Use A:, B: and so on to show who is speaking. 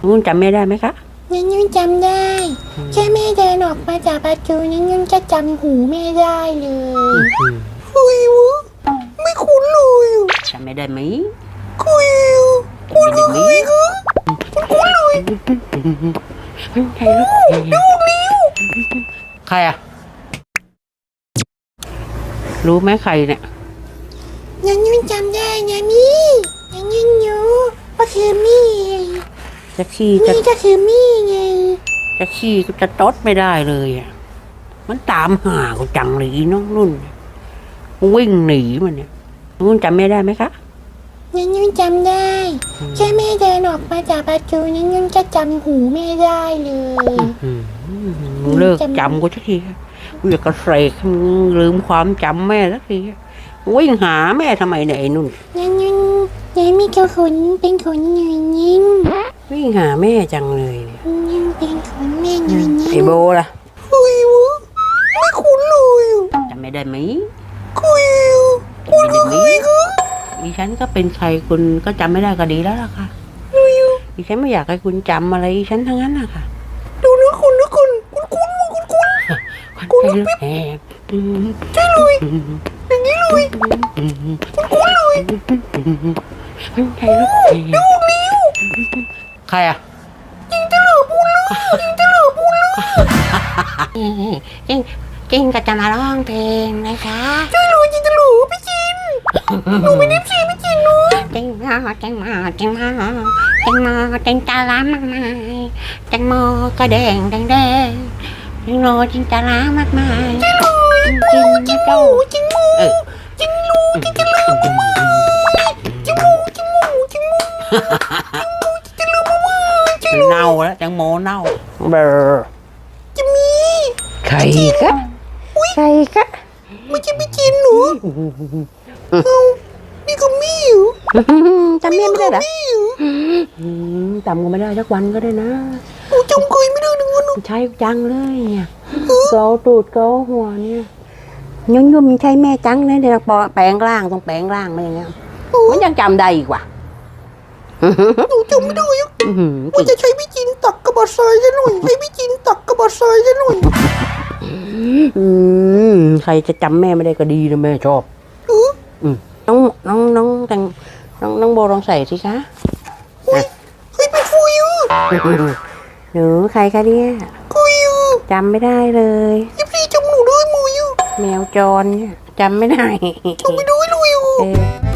A: นุ่นจำไม่ได้ไหมคะ
B: นุ่นจำได้แค่แม่เดินออกมาจากประตูนุ่นจะจำหูแม่ได้เลยเฮ้ยวะไม่คุ้นเลย
A: จำไม่ได้ไหม
B: คุยคุ้นเลยคือคุ้นเลย
A: ใครลูก
B: ดูลิ้ว
A: ใครอะรู้ไหมใครเนี่ย
B: นุ่นจำได้นะมี่นุ่นรู้ว่าคือมี่
A: จะขี้
B: มี่ก็คือมี่ไง
A: จะขี้ก็จะตดไม่ได้เลยอ่ะมันตามหากูจังเลยน้องนุ่นวิ่งหนีมันเนี่ยนุ่นจำไม่ได้ไหมคะ
B: นุ่นจำได้แค่แม่เดินออกมาจากประตูนุ่นจะจำหูแม่ได้เลย
A: เลิกจำกูสักทีกูอยากกระเสกลืมความจำแม่สักทีวิ่งหาแม่ทำไมเนี่ยไอ้นุ่น
B: ยายมีเจ้าขนเป็นขนหน่อยนิ่ง
A: วิ่งหาแม่จังเลยเนี่ย
B: เป็นขนแม่หน่อยนิ่ง
A: ไอ้โบล่ะ
B: เฮ้ยวะไม่คุ้นเลย
A: จำไม่ได้ไหม
B: คุยคุ้นเลยคือ
A: ดิฉันก็เป็นใครคุณก็จำไม่ได้ก็ดีแล้วล่ะค่ะดิฉันไม่อยากให้คุณจำอะไรดิฉันทั้งนั้นนะคะ
B: ดูนะคุณคุ้น
A: แอบ
B: ใช่เลยอย่างนี้เลยคุ้นเลย
A: ใครลูก
B: ดูลิ้ว
A: ใครอ่ะ
B: จริงจะเหลือพูดเลย
A: จริงก็จะมาร้องเพลงนะคะ
B: ใช่เลยจริงจะเหลือพี่จินหนูไม่ได้พี่จินเลย
A: จริงมาจริงจะร้ามากมายจังโมก็แดงจริงโลจริงจะร้ามากมาย
B: จริงเลยจริงมูจริงลูจริงจะเหลือมากจริงมูจะเหลือมาก
A: เน่าแล้วจังโมเน่าเบอร์
B: จะมี
A: ใครกะ
B: ไม่ใช่พี่จินหนูนี่ก็มีอยู่
A: จำไม่ได้หรอจำก็ไม่ได้สักวันก็ได้นะ
B: จำเคยไม่ได้หนึ่งวัน
A: ใช่จังเลยเนี่ยเกาตูดเกาหัวเนี่ยยุ่มใช่แม่จังเลยเดี๋ยวแปลงร่างต้องแปลงร่างมาอย่างเงี้ยมันยังจำได้อีกว่ะ
B: หนูจำไม่ได้ว่าจะใช้พี่จินตักกระบอกทรายซะหน่อยให้พี่จินตักกระบอกทรายซะหน่อย
A: ใครจะจำแม่ไม่ได้ก็ดีนะแม่ชอบน้องโบลองใส่สิคะ
B: เฮ้ยเป็นฟูยู
A: หนูใครคะเนี่ย
B: กูยู
A: จำไม่ได้เลย
B: พี่จำหนูด้วยมูยู
A: แมวจรเนี่ยจำไม่ได้
B: จำไม่ได้เลย